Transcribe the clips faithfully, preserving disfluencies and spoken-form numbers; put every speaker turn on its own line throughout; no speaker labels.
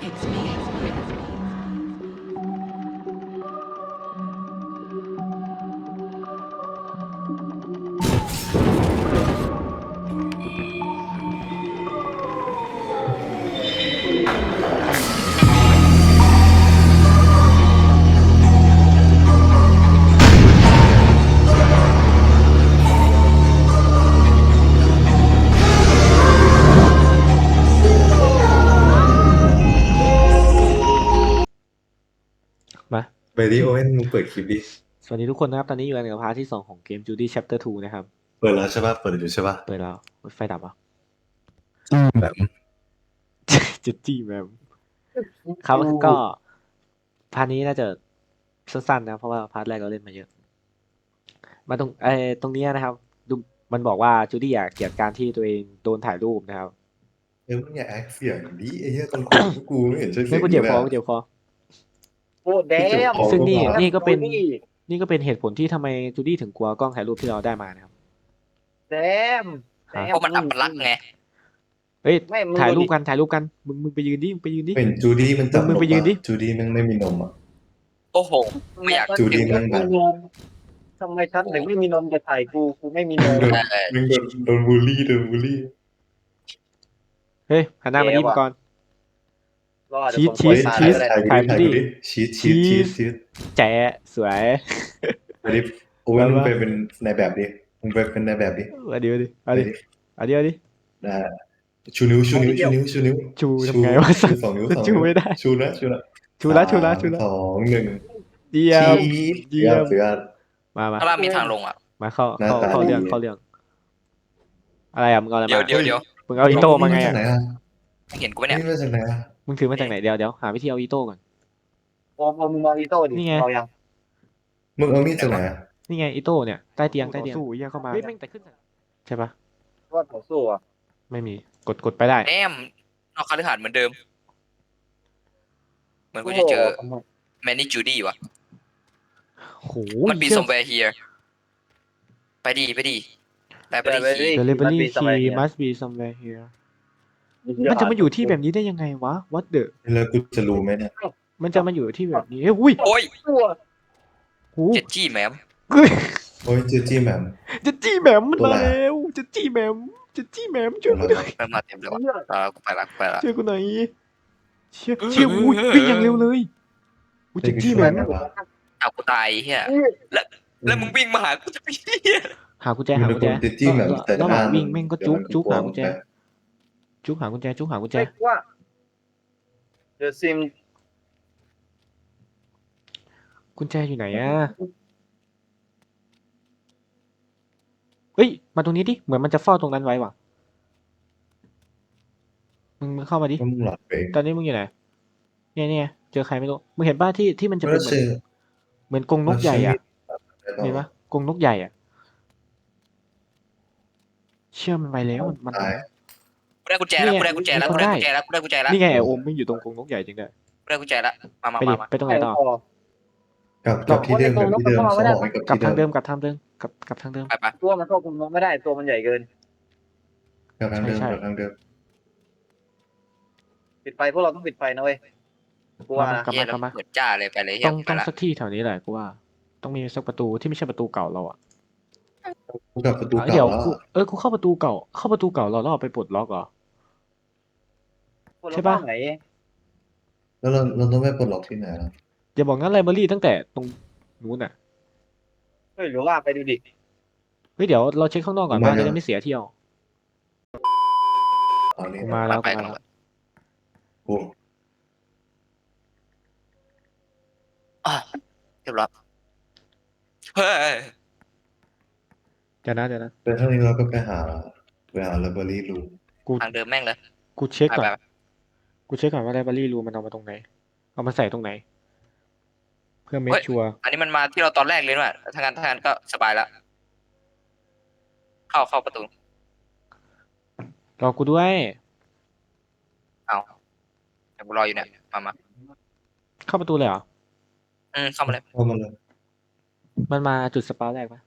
มา
ไปดิโอเว่นมึงเปิดคลิปดิ
สวัสดีทุกคนนะครับตอนนี้อยู่ในพาร์ทที่สองของเกม Judy Chapter ทูนะครับ
เปิดแล้วใช่ป่ะเปิดอยู่ใช่ป่ะ
เปิดแล้วไฟดับอ่ะ
แบบ
จุดจี้แมมครับก็พาร์ทนี้น่าจะสั้นๆนะเพราะว่าพาร์ทแรกเราเล่นมาเยอะ มาตรงไอ้ตรงเนี้ยนะครับดูมันบอกว่าจูดี้อยากเกลียดการที่ตัวเองโดนถ่ายรูปนะครับ
เออมึงอย่าแอคเสียงดิไอ้เหี้ยตอนคุยกับกูไม่เห็นใช่เสี
ไม่
ยง
กูเจ็บ
เล
ค
ย
อกูเจ็บคอ
โอ้แดม
อ๋อ
ซึ่งนี่
ก็มา
นี่ก็เป็นนี่ก็เป็นเหตุผลที่ทำไมจูดี้ถึงกลัวกล้องถ่ายรูปที่เราได้มานะครับ
แดมแด
ฮะ
ม
เพราะมันอัปลักษณ์ไง
เฮ้ย
ไม่มึง
ถ่าย
ดู
รู
ดิ
ปกันถ่ายรูปกันมึงมึงไปยืนดิมึงไปยืนดิ
เป็นจูดี้มันจับ
มึงไปยืนดิ
จูดี้มันไม่มีนมอ่ะ
โอ้โห ไม่อยาก
จูดี้นั่งแบบ
ทำไมฉันถึงไม่มีนมจะถ่ายกูกูไม่มีนม
โดนมึงโดนโดนบูลลี่โดนบูลลี่
เฮ้ยหันหน้ามาดิ
เจ๊
มั
ว่ะ
งกร
รอด
ชีส
เดี๋ยวผม
ชีส
กด
ถ่าย
ตาย
กู
ก็
ดิ
ได้
ถ่ายกูดิชีสชีสชีสชีส
แจ๋สวย
ไปดิโอเว่นมึงไปเป็นในแบบดิมึงไปเป็นในแบบดิ
เอาดิเอาดิเอาดิเอาดิเอาดิ
นะชูนิ้วชูนิ้วชูนิ้วชูนิ้ว
ชูทำไงวะ
ชูสองนิ้วสอง
ชู
นิ้ว
ไม่ได้
ชูนะชูนะ
ชูละชูละชูละ
สองหนึ่ง
เยี่ยม
ชีส
เยี่ยม
เสือ
มามา
ข้างล่างมีทางลงอ่ะ
มาเข้า
หน้า
เข้า
ตา
เข้าเรื่อง
ดี
เข้าเรื่อง อะไรอ่ะมึงเอาอะไร
เดี๋ยว
มา
เดี๋ยวเดี๋ยว
มึงเอาอีโต้มาไง
นี่
อ่ะ
จกไหนอ่ะ
ไม่เห็นกูไหมเนี่ย
นี่มาจากไหนอ่ะ
มึงถือมาจากไหนเดี๋ยวเดี๋ยวหาวิธีเอาอีโต้ก่อน
โอ้มึงมองอีโต้ดิ
นี่ไง
เรายัง
มึงเอามีดจากไหนอ่ะ
นี่ไงอีโต้เนี่ยใต้เตียงใต้เตียงสู้เยี่ยเข้ามาเฮ้ยแม่งแต่ขึ้นใช่ปะ
ว่าต่อสู้อ่ะ
ไม่มีกดกดไปได้
แอมนอกคฤหาสน์เหมือนเดิม เหมือนกูจะเจอแมนนี่จูดี้วะ
โห
มันปี
เชี่ย
somewhere here ไปดีไปดีแต่ไปดีคี
The library key must be somewhere here มันจะมาอยู่ที่แบบนี้ได้ยังไงวะ What the
แล้วกูจะรู้ไหมเนี่ย
มันจะมาอยู่ที่แบบนี้เฮ้ยอุ้ย
โอ้ย
ตัว
โอ้
เจ็ดจี้แมม
เฮ้ย
โอ้ยเจอจี้แหมม
จะจี้แหมมมัน
ตัว
มา
อะไร
แล้วจะจี้แหมมจะจี้แหมมช่วยกูหน่อย
แมมมาเต็มเลยวะอ่ากูไปละกูไปละ
ช่วยกูหน่อยเชี่ยเชี่ยอุ้ยวิ่งอย่างเร็วเลยอุ้ยจะจี้แหมม
เอากูตายเฮียแล้วแล้วมึงวิ่งมาหากูจะไปเฮีย
หากุญแจ
มึ
หาง กุญแจ
เจอจี้แหมมแต่
ระห
ห
ว่า
น้าง
วิ่งแม่งก็จุ๊กจุ๊กหากุญแจ
แ
จุ๊กหากุญแจจุ๊กหากุญแจ
เรียกว่าเดอะซิม
กุญแจอยู่ไหนอะเฮ้ยมาตรงนี้ดิเหมือนมันจะเฝ้าตรงนั้นไว้ว่ะมึงมึงเข้ามาดิ
ล้วมึงหลอดไป
ตอนนี้มึงอยู่ไหนเนี่ยเนี่ยเจอใครไม่รู้มึงเห็นป่ะที่ที่มันจะ
ไม่
เป็น
ได้
เหมือน
เจอ
เหมือนกรงนกใหญ่อะ
เห็
เห็นปะกรงนกใหญ่อะเชื่อมันไปแล้วมันมัน
ตาย
กูได้กุญแจแล้วกูได้กุญแจแล้วกูได้กุญแจแล้วกูได้กุญแจแล้ว
นี่ไงไอโอมไม่งอยู่ตรงกรงนกใหญ่จริงด้วย
กูได้กุญแจแล้วมามา
ไปดิ
มามา
ไปตรงไหนต่อ
กับกับที่เดิมกับที่เดิมเขาบอกให้กับ
กลับ
ที่
ทาง
เดิ
เดิ
ม
มกลับทางเดิมกลับกลับทางเดิม
ไปไป
ตัวมันควบคุมนมไม่ได้ตัวมันใหญ่เกิน
กับทางเดิม
ใช่ใช่
กับทางเดิม
ปิดไฟพวกเราต้องปิดไฟนะเว้ยกูว่านะ
กลับ
เฮี
มาย กลับมา
เปิดจ้าเลยไปเลยเฮี
ต้
ย
อง
ไป
ต้อง
ละ
สักที่แถวนี้แหละกูว่า ต้องมีสักประตูที่ไม่ใช่ประตูเก่าเราอะ
กูกับประตู
เดี๋ย
เก่าว แล้ว
กูเออกูเข้าประตูเก่า เข้าประตูเก่าเราแล้วเอาไปปลดล็อกเหรอ
พวกเรา
ใช่ปะ
บ้านไหน
แล้วเราเราต้องไปปลดล็อกที่ไหนล่ะ
อย่าบอกงั้นไลบรารีตั้งแต่ตรงนู้นอะ
เฮ้ยหรือว่าไปดูดิ
เฮ้ยเดี๋ยวเราเช็คข้างนอกก่อนว่าจะได้ไม่เสียเที่ยว
ตอนนี้
กู
นะ
มาแล้ว
ไป
กู
กั
มาน แล้ว
โอ้
อ่ะเรียบร้อยเฮ้ย
เดี๋ยวนะเดี๋ยวนะ
แต่เท่านี้เราก็ไปหาไปหาไลบรารีรู
กู
ทางเดิมแม่งเลย
กูเช็ค
ไป
ก่อน
ไปไป
กูเช็คก่อนว่าไลบรารีรูมันเอามาตรงไหน เอามาใส่ตรงไหน เพื่อเมคชัวร์
อันนี้มันมาที่เราตอนแรกเลยว่ะถ้างั้นถ้างั้นก็สบายแล้วเข้าเข้าประตู
รอกูด้วย
เอาเดี๋ยวกูรออยู่เนี่ยมามา
เข้าประตูเลยเหรอ
อืมเข้ามาเลย
เข้ามาเลย
มันมาจุดสปาวแรกปะ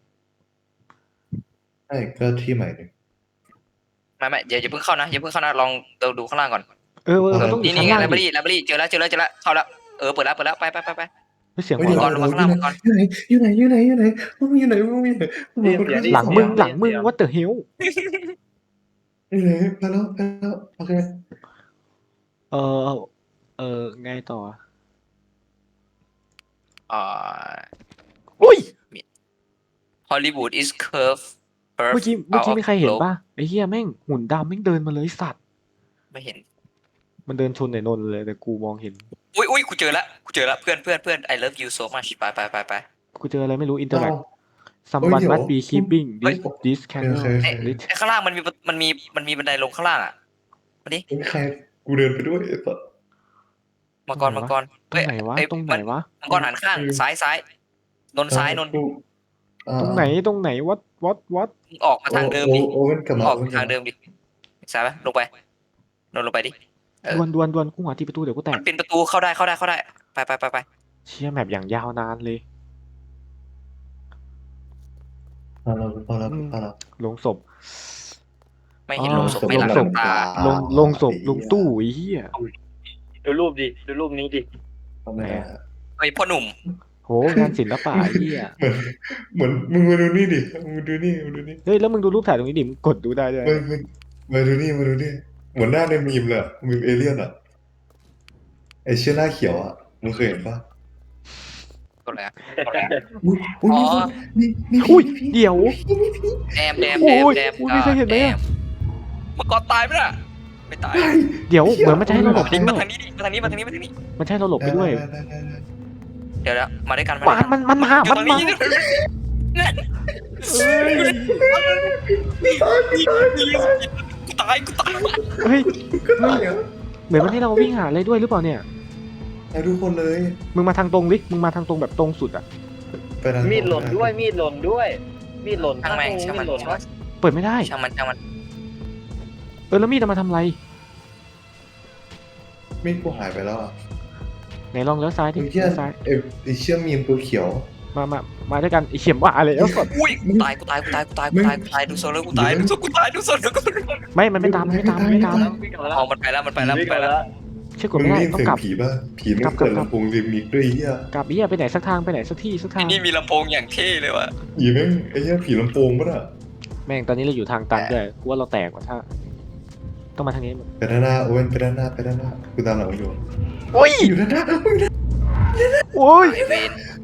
ใช่ก็ที่ใหม่เลย
ไม่ไม่อย่าอย่าเพิ่งเข้านะอย่าเพิ่งเข้านะลองเดินดูข้างล่างก่อน
เออเออมันต้องอ
นี่
ยู่
นี่
ข้าง
ไง
ล่าง
ไลบรา
ดิ
รีไลบรารีเจอแล้วเจอแล้วเจอแล้วเข้าแล้วเออเปิดแล้วเปิดแล้วไปไปไปไป
เฮ้ยเสียง
เฮ้ย
หัว
เดี๋ยว
เราะ
เดี๋ยวอยู่ไหนอยู่ไหนอยู่ไหนอยู่ไหนมึงอยู่ไหนมึงอยู่ไหนมึงอยู่ไหน
หลังมึงหลังมึง what the hell
อยู่ไหนไปแล้วไปแล้วโอเค
เออเออไงต่อ
อ่า
อุ้ย
ฮอลลีวูด is curve curve
เมื่อกี้เมื่อกี้
out of
มีใครเห็น
globe
ป่ะไอ้เหี้ยแม่งหุ่นดำแม่งเดินมาเลยสัตว์
ไม่เห็น
มันเดินชนไอ้นนท์เลยแต่กูมองเห็น
อุ้ยอุ้ยกูเจอแล้วกูเจอแล้วเพื่อนเพื่อนเพื่อน I love you so much ไปไปไปไป
กูเจออะไรไม่รู้อินเตอร์แ
เอา
someone
เดี๋ยว
must be keeping
เฮ้ย
this this candle
โอเคโอเค
lit
ไอ้ข้างล่างมันมีมันมีมันมีบันไดลงข้างล่างอ่ะมาดิ
ไม่ใครกูเดินไปด้วยไอ้สัส
มังกรมังกร
ตรงไหนวะ
เอ้ย
ตรงไหนวะ
มังกรหันข้างซ้ายซ้ายนนซ้ายนน
กูอ่า
ตรงไหนตรงไหนวัดวัดวัด
มึงออกมาทางเดิมดิ
โอโอเว่นกลับมา
ออก
โอว่นกลั
ทา
บ
งเดิมดิซ้ายไปลงไปนนลงไปดิ เออ
ดวนดวนดวนกูหาที่ประตูเดี๋ยวกูแต
มั
ก
นเป็นประตูเข้าได้เข้าได้เข้าได้ไปไปไปไป
เชี่ยแมปอย่างยาวนานเลย
พอแล้วพอแล้วพอแล้ว
ลงศพ
ไม่เห็น
อ๋อ
ลงศพไม่หลัง
ลงศพ
ตา
ลงลงศพลงตู้ไอ้เหี้ย
ดูรูปดิดูรูปนี้ดิ
ทำไมอะ
เฮ้ยพ่อหนุ่ม
โหงานศิลปะไอ้เหี้ย
เหมือนเหมือนมึงมาดูนี่ดิมึงดูนี่มึงดูนี่
เฮ้ยแล้วมึงดูรูปถ่ายตรงนี้ดิมึงกดดูได้ด้วย
มึงมึงมาดูนี่มาดูนี่เหมือนหน้าในมีมเลยอะมีมเอเลี่ยนอ่ะไอเชี่ยหน้าเขียวอ่ะมึงเคยเห็นปะ
ตัวอะไรอะ
อุ้ยอุ้ย
อ๋อ
นี่นี่
อุ้ย
พี่
เดี๋ยว
แดมแดม
โอ้
แดม
ย
แดม
โอ้ยไม่เคยเห็นไหมอะ
แดมังกรตายไหมล่ะไม่ตาย
เดี๋ยวเหมือนมันจะให้เราหลบไป
ดิ
ด้
มา
วย
ทางนี้ดิมาทางนี้มาทางนี้มาทางนี้
มันจะให้เราหลบไปด้วย
ได้ได้ได้ได้
เดี๋ยวแล้วมาด้วยกันมา
ปานมันมันมา
อยู่
มัน
ตรง
มา
นี้
เอ้ย
กูตายกูตาย
เฮ้ย
ก็ได้เหรอ
เหมือนมันให้เราวิ่งหาอะไรด้วยหรือเปล่าเนี่ย
ไอ้ทุกคนเลย
มึงมาทางตรงดิมึงมาทางตรงแบบตรงสุดอะ
ไปทาง
มีดหล่นด้วยมีดหล่นด้วย มีดหล่น
ช่างแม่ง
มี
ช่าง
ด
มัน
หล่น
ช่างมั
วะ
น
เปิดไม่ได้
ช่างมันช่างมัน
เออแล้วมีดเอามาทำอะไร
มีดกูหายไปแล้วอ่ะ
ไหนลองเลี้ยวซ้ายดิ
ไอ้เชี่ย
เลี้ยวซ้าย
ไอ้ไอ้เชี่ยมีมตัวเขียว
มามามาด้วยกันไอเข็มว่าอะไรแล้วสด
อุ้ยกูตายกูตายกูตายกูตายกูตายกูตายดูโซนแล้วกูตายดูโซนกูตายดูโซนแล้วกูตาย
ไม่มันไม่ตามมันไม่ตามมันไม่ตาม
วิ่งกลับมาแล้ว
เอามันไปแล้วมันไปแล้วมัน
วิ่ง
ไป
กลับมา
แล้ว
แล้ว
เชื่อกด
มึง
ไม่ได้
ได้ยิน
ต้อง
เสียง
กลับ
ผีป่ะผีไม่
กลับ
เปิด
กลับ
ลำโพงริมิกด้วยไอ้เหี้ย
กลับเหี้ยไปไหนสักทางไปไหนสักที่สักทาง
นี่มีลำโพงอย่างเท่เลยว่ะ
ผีแม่งไอ้เหี้ยผีลำโพงป่ะน่ะ
แม่งตอนนี้เราอยู่ทางตันด้วยกูว่าเราแตกว่ะถ้าต้องมาทางนี้
ไปด้านหน้าโอเว่นไปด้านหน้าไปด้านหน้ากูตามหลังมึงอยู่
โอ้ย
อยู่ด้านหน้า
โอ้ย
ไอเวน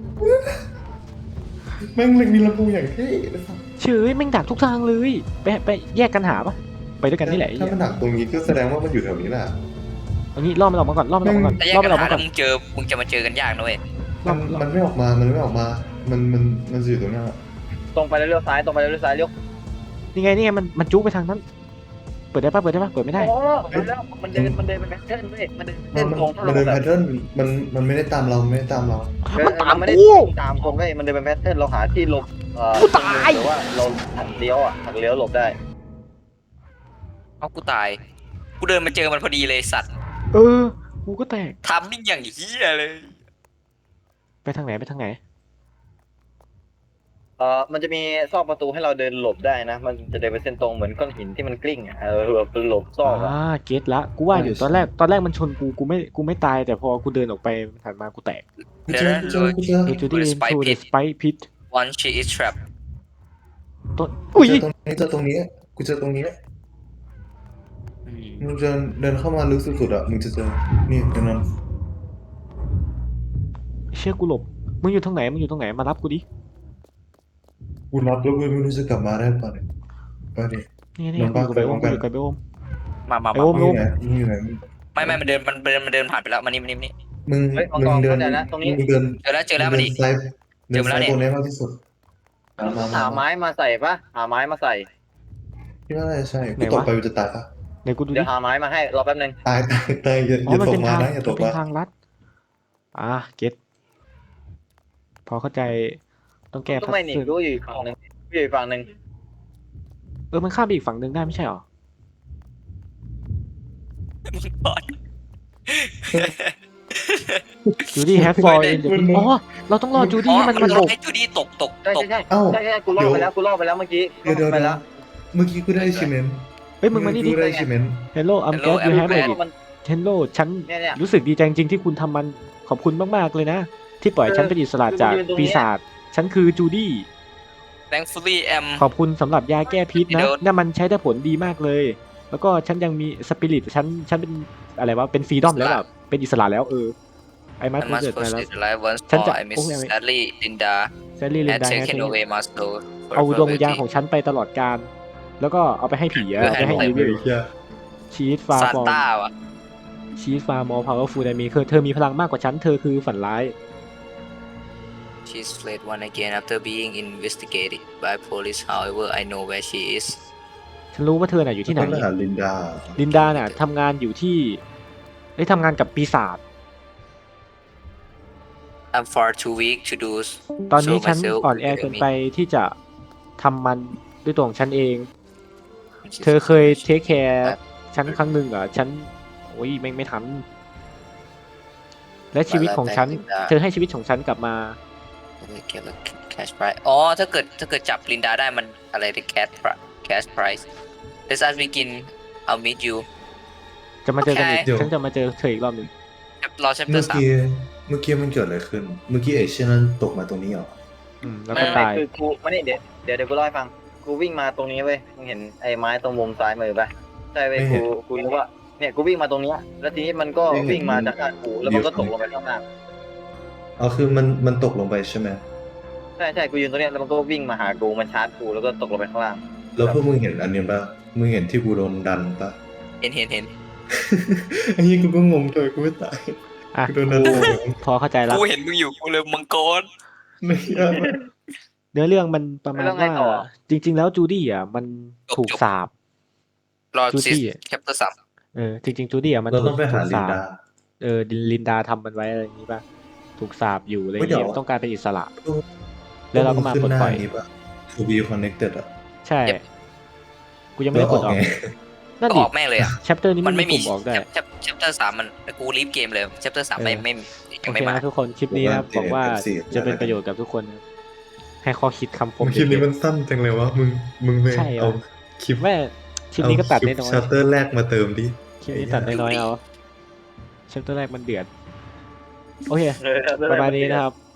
แม่งเลยมีลำโพงอย่างเท่ไอ้สัส
เฉยแม่งดักทุกทางเลยไปไปแยกกันหาปะไปด้วยกันนี่แหละไอ้
ถ้า
เหี้ย
มันหนักตรงนี้ก็แสดงว่ามันอยู่แถวนี้แหละ
เอางี้ล่อมันออกมาก่อนล่อมันออกมาก่อน
แต่แยก
ล่อ
กั
มัน นออก
หา
มาก่
แล้
อ
วน มึงเจอมึงจะมาเจอกันยากนะเว้ย
ล่
มั
อน ล่อ
มันไม่ออกมา มันไม่ออกมา มันมันมันจะอยู่ตรงหน้า
ตรงไปแล้วเลี้ยวซ้ายตรงไปแล้วเลี้ยวซ้ายเลี้ยว
นี่ไงนี่ไงมันมันจุกไปทางนั้น เปิดได้ปะเปิดได้ปะเปิดไม่ได้
โอ้มันแล้วมันเดินมันเดินเป็นแพทเทิร์นเว้ยมันเดิน
มันมัน
ตรง
มันเดินแพทเทิร์นมันมันไม่ได้ตามเราไม่ได้ตามเรา
มันตาม
ไม่ได้
กู
ตามคนเว้ยมันเดินเป็นแพทเทิร์นเราหาที่หลบเอ่อ
กูตาย
หรือว่าเราหักเลี้ยวอ่ะหักเลี้ยวหลบได้
เอากูตายกูเดินมาเจอมันพอดีเลยสัตว์
เออกูก็แตก
ทำมิ่งอย่างเฮียเลย
ไปทางไหนไปทางไหน
เอ่อมันจะมีซอกประตูให้เราเดินหลบได้นะ มันจะเดินเป็นเส้นตรงเหมือนก้อนหินที่มันกลิ้งอ่ะเออแบบเป็นหลบซอกอ่ะ
อ่าเก็ตละกูว่าอยู่ตอนแรกตอนแรกมันชนกูกูไม่กูไม่ตายแต่พอกูเดินออกไปถัดมากูแตก
กูเจอกูเจอกูเจอ
เอจูดี้
Spike
into the
pit
spike pit
one she is trapped
ต้น
กู
อุ้ย
เจอตรงนี้เจอตรงนี้กูเจอตรงนี้มึงเดินเดินเข้ามาลึกสุดๆอ่ะมึงจะเจอนี่ตรงนั้น
เชื่อกูหลบมึงอยู่ตรงไหนมึงอยู่ตรงไหนมารับกูดิ
กูรับแล้วกูไม่รู้จะกลับมาได้ป่ะเนี่ยไปดิ
นี่ไงนี่
ล
ไง
ง
กู
ปะ
อยู่กับไบโอม
ไป
กูอยู่กับไบโอม
มามา
ไอ้
มา
โอม
มึงอยู่ไหนมึงอยู่ไหน
ไม่ไม่มันเดินมันเดินมันเดินผ่านไปแล้วมานี่มานี่มานี่
มึง
เฮ้ยมัง
มึ
ก
ง
ร
เดิน
เข้าใจแล้วตรงนี้
มึงเดิน
เจอแล้วเจอแล้วมาดิ
เดินซ้าย
เจ
เดิ
อน มาแล้ว
ซ้าย
เนี่ย
บนนี้มากที่สุดมามามา
หาไม้มาใส่ปะหาไม้มาใส่
พี่ว่าน่าจะใช่กูตกไปกูจะตายปะ
ไหนกูดู
เดี๋
ดิ
ยวหาไม้มาให้รอแป๊บนึง
ตายตายตายอย่า
อ๋
อ
อย่าง มัน
ต
เป็
ก
น
มา
ทาง
นะอย่าต
มัน
ก
เป็น
มา
ทางลัดอ่าเก็ตพอเข้าใจต้องแก้
ก็
พัซ
ไม่หนี
เซิล
รู้อยู่อีกฝั่งหนึ่งอยู่อีกฝั่งหนึ่ง
เออมันข้ามไปอีกฝั่งหนึ่งได้ไม่ใช่หรอ
มึงก่อน
จูดี้แฮปฟอร์อินเดอะอ๋อเราต้องรอจูดี้ให้มันมันหลบ
ให้จูดี้ตกตก
ใช่
ตก
ใช่ใช่
เอ้า
ใช่ใช่กูล่อไปแล้วกูล่อไปแล้วเมื่อกี้
เดี๋ยวเดี๋ยว
ไป
เดี๋ยว
แล้ว
เมื่อกี้กูได้ชิเมน
เฮ้ยมึงมานี่ดิ
กูได้ชิเมน
Hello I'm glad you have made it เทนโลฉัน
เนี่ยเนี่ย
รู้สึกดีใจจริงๆที่คุณทำมันขอบคุณมากๆเลยนะ ที่ปล่อยฉันเป็นอิสระจากปีศาจฉันคือจูดี้
thankfully am
ขอบคุณสำหรับยาแก้พิษนะ
เดี๋ยว
นั่นมันใช้ได้ผลดีมากเลย แล้วก็ฉันยังมีสปิริตฉันฉันเป็นอะไรวะเป็นฟรีดอมแล้วแบบเป็นอิสระแล้วเออไอ้มั
I
ส
must
เกิดมาแล้ว
proceed life once
ฉัน
more
จะ
I miss
โอ้ย
sadly Linda
แซลลี่ลิน
had
ดา
taken away my soul
เอา
forever
ดวงวิญญาณ
waiting
ของฉันไปตลอดกาลแล้วก็เอาไปให้ผีอะ
เพื่อ
เอาไปให้
ให้
อี
เฮ้
วิ
ย
ล
เหี้ย
ชีสฟา
ซา
ฟอร์
ต้าวะ
ชีสฟาร์มอลพาวเวอร์ฟูลไดมีคือเธอมีพลังมากกว่าฉันเธอคือฝันร้าย
she's fled once again after being investigated by police however I know where she is
ฉันรู้ว่าเธอน่ะอยู่ที่ไหน
ต้องไปหาลินดา
ลินดาน่ะทำงานอยู่ที่ได้ยทำงานกับปีศาจ
I'm far too weak to do
ตอนนี้
so
ฉัน
myself
อ่อนแอเกินไปที่จะทำมันด้วยตัวของฉันเอง เธอเคยเทคแคร์ฉันครั้งหนึ่งเหรอฉันโอ้ยไม่ไม่ทัน และชีวิตของฉัน เธอให้ชีวิตของฉันกลับมา
เก็บ cash prize อ๋อถ้าเกิดถ้าเกิดจับลินดาได้มันอะไรได้ cash pri- cash prize let's us begin I'll meet you
จะมาเจอกันอีก
เดี๋ยว
ฉันจะมาเจอเธออีกรอบหนึ่ง
รอ chapter
เมื่อ
สาม
กี้เมื่อกี้มันเกิดอะไรขึ้น เมื่อกี้ไอ้เช่นนั้นตกมาตรงนี้เหรอ
อืมแล้ว
ไม่
ก็
ไม่
ตาย
คือกูไม่ได้เดี๋ยวเดี๋ยวเดี๋ยวกูเล่าให้ฟังกูวิ่งมาตรงนี้เว้ยมึงเห็นไอ้ไม้ตรงมุมซ้ายมือปะใช่เว้ย
ไม่เห็
กู
น
กูนึกว่าเนี่ยกูวิ่งมาตรงเนี้ยแล้วทีนี้มันก็
ไม่เห็น
วิ่งมาจากข้างกูแล้วมันก็ตกลงไปข้างล่าง
อ๋อคือมันมันตกลงไปใช่ไหม
ใช่ใช่กูยืนตรงเนี้ยแล้วมันก็วิ่งมาหากูมันชาร์จกูแล้วก็ตกลงไปข้างล่าง
แล้วพวกมึงเห็นอันนี้ปะมึงเห็นที่กูโดนดันปะ
เห็นเห็นเห็น
อันนี้กูก็งงเลยกูไม่ตาย
อ่ะ
กูโดนดัน
กูพอเข้าใจแล้ว
กูเห็นมึงอยู่กูเลยมังกร
ไม่ยาก
เนื้อเรื่องมันประมาณ
แล้วไง
ว่า
ต่อ
จริง ๆ แล้วจูดี้อ่ะมัน
จบ
ถูก
จบ
สาบ
รอ
จู
ซิ
ดี้
chapter สาม
เออจริงๆจูดี้อ่ะมัน
เรา
ถู
ต้อก งไปหา
ถูก
ลิน
สาบ
ดา
เออลินดาทำมันไว้อะไรอย่างนี้ป่ะถูกสาบอยู่อะไรอ
เฮ้
ย่าย ง
เดี๋
เงี้
ยว
ยต้องการเป็นอิสระ แล้วเราก็มาปลดปล่อย
ขึ้นหน้นี้ปะ to be connected อ่ะ
ใช่ กูยังไม่
แล้
ได้
ว
ก
อ
ด
อก
ออก
ไง
นั่น
ก็
ดิ
ออกแม่งเลยอ่ะ
แชปเตอร์นี้
มั
มัน น
ไม่
มี
มี
ปุ่มออกได้
chap- chapter สามมันกูรีบเกมเลย chapter สาม
เออ
ไม่ไม่
โอ
ยัง
เค
ไม่มา
นะทุกคนคลิปนี้นะครับ
ผมว่า
บอกว่า
เจ็ด
จะเป็น
แล้วกัน
ประโยชน์กับทุกคนนะครับให้ข้อคิดคำคม
คลิปนี้
เด็
มั
ด
นสั้นจังเลยวะมึงมึงไป
ใช่เหรอ
เอาคลิป
ๆแม่คลิปนี้ก็ตัดได้น้อย
ชัตเตอร์แรกมาเติมดิ
คลิปนี้ตัดได้น้อยเอาแชปเตอร์แรกมันเดือดโอเค
เออ
ประมาณนี้นะครับ